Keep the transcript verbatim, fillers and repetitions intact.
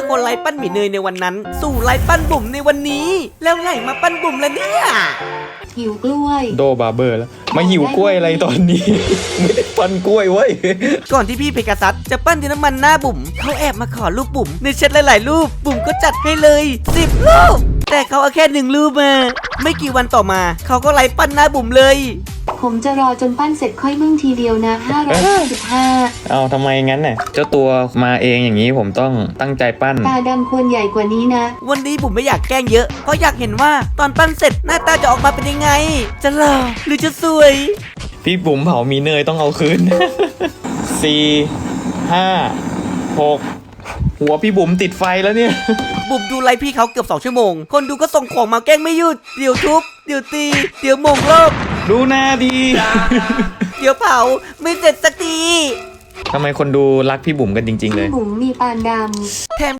คนไล่ปั้นหมีเนยในวันนั้นสู่ไล่ปั้นบุ๋มในวันนี้แล้วไหนมาปั้นบุ๋มแล้วเนี่ยหิวกล้วยโดบาร์เบอร์แล้วมาหิวกล้วยอะไรตอนนี้ ไม่ได้ปั้นกล้วยเว้ยก่อนที่พี่เพกาซัสจะปั้นดินน้ำมันหน้าบุ๋มเขาแอบมาขอรูปบุ๋มในแชทหลายๆรูปบุ๋มก็จัดให้เลยสิบรูปแต่เขาเอาแค่หนึ่งรูปมาไม่กี่วันต่อมาเขาก็ไล่ปั้นหน้าบุ๋มเลยผมจะรอจนปั้นเสร็จค่อยมึ่งทีเดียวนะห้าร้อยห้าสิบห้าเอาทำไมงั้นน่ะเจ้าตัวมาเองอย่างนี้ผมต้องตั้งใจปั้นตาดำควรใหญ่กว่านี้นะวันนี้บุ๋มไม่อยากแกล้งเยอะเพราะอยากเห็นว่าตอนปั้นเสร็จหน้าตาจะออกมาเป็นยังไงจะหล่อหรือจะสวยพี่บุ๋มเผามีเนยต้องเอาคืน สี่ห้าหกหัวพี่บุ๋มติดไฟแล้วเนี่ยบุ๋มดูไลฟ์พี่เขาเกือบสองชั่วโมงคนดูก็ส่งของมาแกล้งไม่หยุดเดี๋ยวทุบเดี๋ยวตีเดี๋ยวโมงรอบดูหน้าดีเดี๋ยวเผาไม่เสร็จสักทีทำไมคนดูรักพี่บุ๋มกันจริงๆเลยพี่บุ๋มมีปานดำแถม